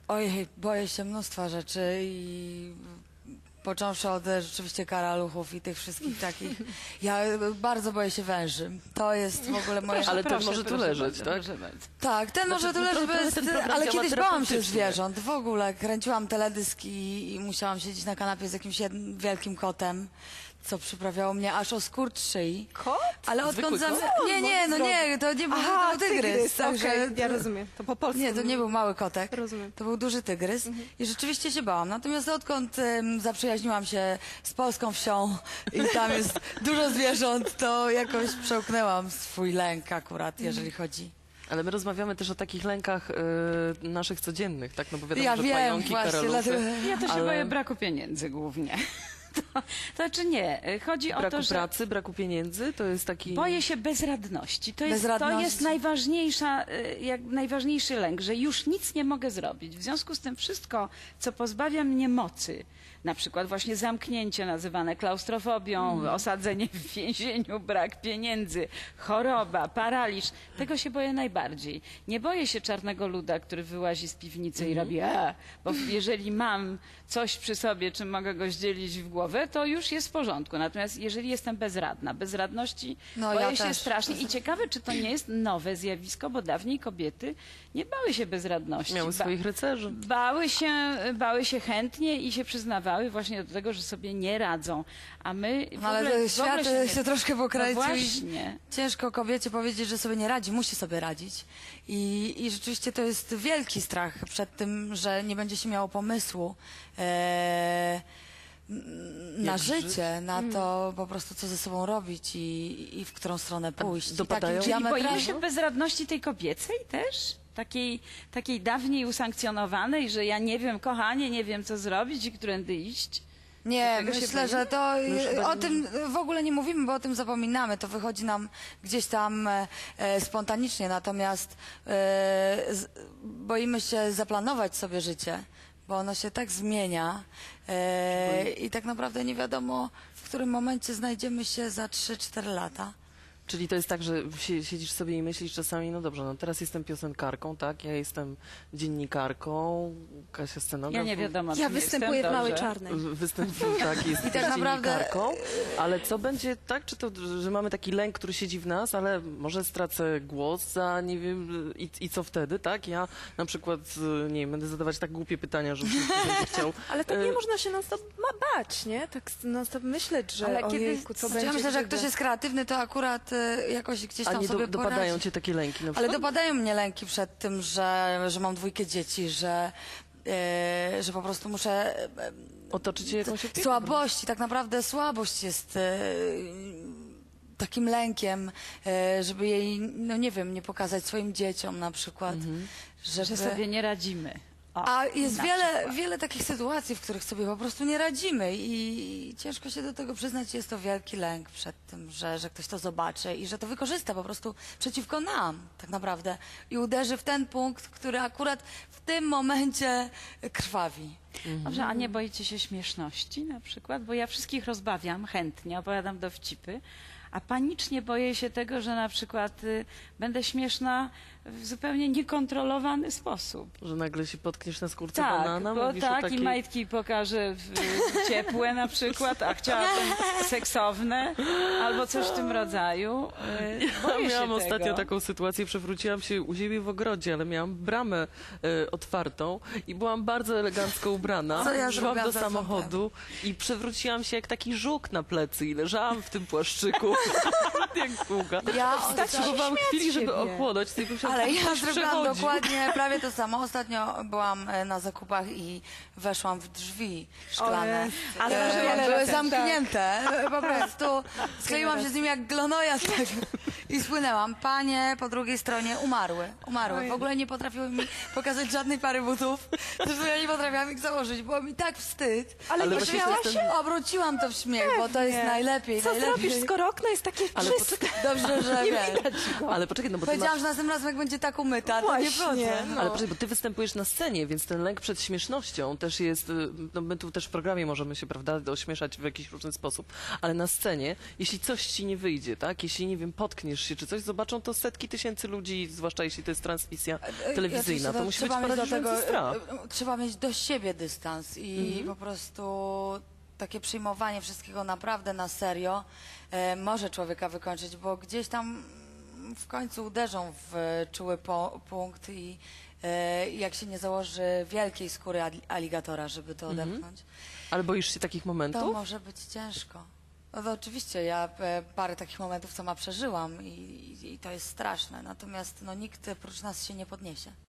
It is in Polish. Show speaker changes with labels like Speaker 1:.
Speaker 1: Ojej, boję się mnóstwa rzeczy i począwszy od rzeczywiście karaluchów i tych wszystkich takich. Ja bardzo boję się węży. To jest w ogóle moje...
Speaker 2: Ale ten może tu leżeć, tak?
Speaker 1: Tak, ten może tu leżeć, ale kiedyś bałam się zwierząt. W ogóle kręciłam teledysk i musiałam siedzieć na kanapie z jakimś wielkim kotem, co przyprawiało mnie aż o skurcz szyi.
Speaker 3: Kot?
Speaker 1: Ale odkąd...
Speaker 2: Zwykły kot?
Speaker 1: Nie, to nie był, to był tygrys. Także
Speaker 3: Okej, ja rozumiem. To po polsku.
Speaker 1: nie, to nie był mały kotek.
Speaker 3: Rozumiem.
Speaker 1: To był duży tygrys i rzeczywiście się bałam. Natomiast odkąd zaprzyjaźniłam się z polską wsią i tam jest dużo zwierząt, to jakoś przełknęłam swój lęk akurat, jeżeli chodzi.
Speaker 2: Ale my rozmawiamy też o takich lękach naszych codziennych, tak? No bo wiadomo,
Speaker 1: Ja
Speaker 2: że
Speaker 1: wiem,
Speaker 2: pająki,
Speaker 1: właśnie,
Speaker 2: karaluchy.
Speaker 1: dlatego...
Speaker 4: Ja to się boję braku pieniędzy głównie. To znaczy nie, chodzi o to,
Speaker 2: Braku
Speaker 4: że
Speaker 2: pracy, braku pieniędzy, to jest taki...
Speaker 4: boję się bezradności. To jest
Speaker 1: Bezradności.
Speaker 4: najważniejszy lęk, że już nic nie mogę zrobić. W związku z tym wszystko, co pozbawia mnie mocy, na przykład właśnie zamknięcie nazywane klaustrofobią, osadzenie w więzieniu, brak pieniędzy, choroba, paraliż, tego się boję najbardziej. Nie boję się czarnego luda, który wyłazi z piwnicy i robi bo jeżeli mam coś przy sobie, czym mogę go zdzielić w głowę, to już jest w porządku. Natomiast jeżeli jestem bezradna, bezradności boję się strasznie. I ciekawe, czy to nie jest nowe zjawisko, bo dawniej kobiety nie bały się bezradności.
Speaker 2: Miały swoich rycerzy.
Speaker 4: Bały się chętnie i się przyznawały właśnie do tego, że sobie nie radzą. A my w
Speaker 1: Ale
Speaker 4: ogóle,
Speaker 1: świat się troszkę pokręcił
Speaker 4: no
Speaker 1: i
Speaker 4: właśnie.
Speaker 1: ciężko kobiecie powiedzieć, że sobie nie radzi, musi sobie radzić. I rzeczywiście to jest wielki strach przed tym, że nie będzie się miało pomysłu na życie, na to po prostu, co ze sobą robić i w którą stronę pójść.
Speaker 2: dopadają?
Speaker 4: Czyli boimy się bezradności tej kobiecej też? Takiej dawniej usankcjonowanej, że ja nie wiem, kochanie, nie wiem, co zrobić i którędy iść?
Speaker 1: Nie,
Speaker 4: Tego się
Speaker 1: myślę, że to o tym w ogóle nie mówimy, bo o tym zapominamy. To wychodzi nam gdzieś tam spontanicznie, natomiast boimy się zaplanować sobie życie, bo ono się tak zmienia i tak naprawdę nie wiadomo, w którym momencie znajdziemy się za 3-4 lata.
Speaker 2: Czyli to jest tak, że siedzisz sobie i myślisz czasami, no dobrze, no teraz jestem piosenkarką, tak? Ja jestem dziennikarką, Kasia scenograf.
Speaker 4: Ja nie wiadomo,
Speaker 3: Ja występuję w Małej Czarnej.
Speaker 2: Występuję, tak, jestem
Speaker 1: tak naprawdę-
Speaker 2: dziennikarką, ale co będzie, tak? Czy to, że mamy taki lęk, który siedzi w nas, ale może stracę głos za, nie wiem, i co wtedy, tak? Ja na przykład, nie wiem, będę zadawać tak głupie pytania, że ktoś będzie chciał...
Speaker 3: Ale tak nie można się non-stop bać, nie? Tak non-stop myśleć, że
Speaker 4: Ale
Speaker 3: ojejku, co będzie.
Speaker 1: Ja myślę, że jak
Speaker 3: gdyby.
Speaker 1: ktoś jest kreatywny, to akurat jakoś gdzieś
Speaker 2: A
Speaker 1: tam
Speaker 2: nie
Speaker 1: sobie
Speaker 2: dopadają
Speaker 1: poradzi.
Speaker 2: cię takie lęki na
Speaker 1: Ale
Speaker 2: przykład?
Speaker 1: dopadają mnie lęki przed tym, że mam 2 dzieci, że po prostu muszę...
Speaker 2: Otoczyć się jakąś opieką?
Speaker 1: Słabości, tak naprawdę słabość jest takim lękiem, żeby jej, no nie wiem, nie pokazać swoim dzieciom na przykład.
Speaker 4: że sobie nie radzimy.
Speaker 1: A jest wiele takich sytuacji, w których sobie po prostu nie radzimy i ciężko się do tego przyznać. Jest to wielki lęk przed tym, że ktoś to zobaczy i że to wykorzysta po prostu przeciwko nam tak naprawdę i uderzy w ten punkt, który akurat w tym momencie krwawi.
Speaker 4: Dobrze, a nie boicie się śmieszności na przykład? Bo ja wszystkich rozbawiam chętnie, opowiadam dowcipy, a panicznie boję się tego, że na przykład będę śmieszna w zupełnie niekontrolowany sposób.
Speaker 2: Że nagle się potkniesz na skórce
Speaker 4: Tak,
Speaker 2: banana?
Speaker 4: bo
Speaker 2: Mówisz o
Speaker 4: tak
Speaker 2: takiej...
Speaker 4: i majtki pokażę ciepłe na przykład, a chciałabym seksowne albo coś w tym rodzaju. Boję się
Speaker 2: Miałam
Speaker 4: tego.
Speaker 2: ostatnio taką sytuację, przewróciłam się u siebie w ogrodzie, ale miałam bramę otwartą i byłam bardzo elegancko ubrana.
Speaker 1: Co ja
Speaker 2: Szłam
Speaker 1: zrobiłam
Speaker 2: do
Speaker 1: za
Speaker 2: samochodu i przewróciłam się jak taki żuk na plecy i leżałam w tym płaszczyku jak długa.
Speaker 1: Ja
Speaker 2: Potrzebowałam chwili, żeby
Speaker 3: siebie.
Speaker 2: ochłonąć. Tylko myślałam,
Speaker 1: Ale
Speaker 2: że
Speaker 1: ja
Speaker 2: ktoś
Speaker 1: zrobiłam
Speaker 2: przechodzi.
Speaker 1: dokładnie prawie to samo. Ostatnio byłam na zakupach i weszłam w drzwi szklane.
Speaker 3: Ale może wiele
Speaker 1: były
Speaker 3: razy.
Speaker 1: zamknięte. Po prostu skleiłam się z nim jak glonoja i spłynęłam. Panie po drugiej stronie umarły. W ogóle nie potrafiły mi pokazać żadnej pary butów. Zresztą ja nie potrafiłam ich założyć. Było mi tak wstyd.
Speaker 3: Ale nie
Speaker 2: właśnie
Speaker 3: śmiałaś
Speaker 2: to jest
Speaker 3: się?
Speaker 1: Obróciłam to w śmiech, bo to jest najlepiej.
Speaker 3: Co
Speaker 1: najlepiej.
Speaker 3: zrobisz, skoro okno jest takie
Speaker 2: Ale
Speaker 3: czyste?
Speaker 1: Dobrze, że
Speaker 3: Nie
Speaker 1: wiesz.
Speaker 3: widać go.
Speaker 2: Ale poczekaj, no bo ty
Speaker 1: Powiedziałam,
Speaker 2: masz...
Speaker 1: że następnym razem jak będzie tak umyta, to nie
Speaker 3: Właśnie,
Speaker 1: wchodzę.
Speaker 3: no.
Speaker 2: Ale proszę, bo ty występujesz na scenie, więc ten lęk przed śmiesznością też jest, no my tu też w programie możemy się, prawda, ośmieszać w jakiś różny sposób, ale na scenie, jeśli coś ci nie wyjdzie, tak, jeśli, nie wiem, potkniesz się czy coś, zobaczą to setki tysięcy ludzi, zwłaszcza jeśli to jest transmisja telewizyjna, to musi być paraliżujący strach.
Speaker 1: Trzeba mieć do siebie dystans i po prostu takie przyjmowanie wszystkiego naprawdę na serio może człowieka wykończyć, bo gdzieś tam w końcu uderzą w czuły punkt i jak się nie założy wielkiej skóry aligatora, żeby to odepchnąć,
Speaker 2: Ale boisz się takich
Speaker 1: to
Speaker 2: momentów?
Speaker 1: może być ciężko. No to oczywiście, ja parę takich momentów sama przeżyłam i to jest straszne, natomiast no, nikt prócz nas się nie podniesie.